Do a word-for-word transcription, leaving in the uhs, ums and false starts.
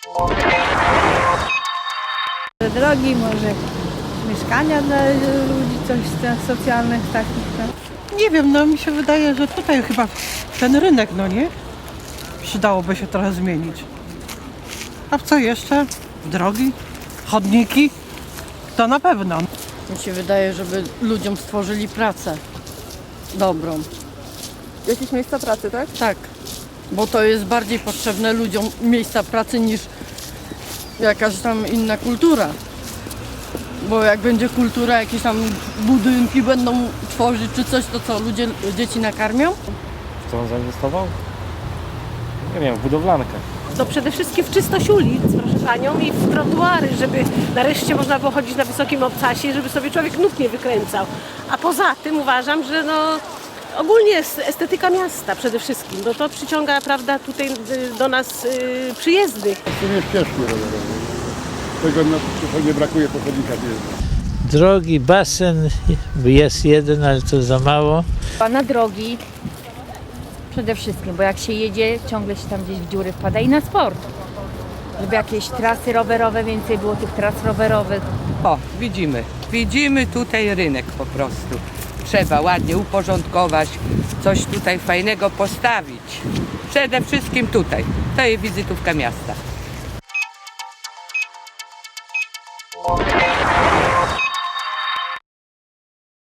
Drogi, może mieszkania dla ludzi, coś socjalnych takich. Tak. Nie wiem, no mi się wydaje, że tutaj chyba ten rynek, no nie? Przydałoby się trochę zmienić. A w co jeszcze? Drogi? Chodniki? To na pewno. Mi się wydaje, żeby ludziom stworzyli pracę dobrą. Jakieś miejsca pracy, tak? Tak, bo to jest bardziej potrzebne ludziom miejsca pracy niż jakaś tam inna kultura. Bo jak będzie kultura, jakieś tam budynki będą tworzyć czy coś, to co, ludzie, dzieci nakarmią? W co on zainwestował? Nie wiem, w budowlankę. No przede wszystkim w czystość ulic, proszę Panią, i w trotuary, żeby nareszcie można było chodzić na wysokim obcasie, żeby sobie człowiek nóg nie wykręcał. A poza tym uważam, że no ogólnie jest estetyka miasta przede wszystkim, bo to przyciąga, prawda, tutaj y, do nas y, przyjezdnych. W sumie ścieżki rowerowe. Tego no, trochę nie brakuje po chodnikach jeżdżą. Drogi, basen jest jeden, ale to za mało. Na drogi przede wszystkim, bo jak się jedzie, ciągle się tam gdzieś w dziury wpada i na sport. Żeby jakieś trasy rowerowe, więcej było tych tras rowerowych. O, widzimy, widzimy tutaj rynek po prostu. Trzeba ładnie uporządkować, coś tutaj fajnego postawić. Przede wszystkim tutaj. To jest wizytówka miasta.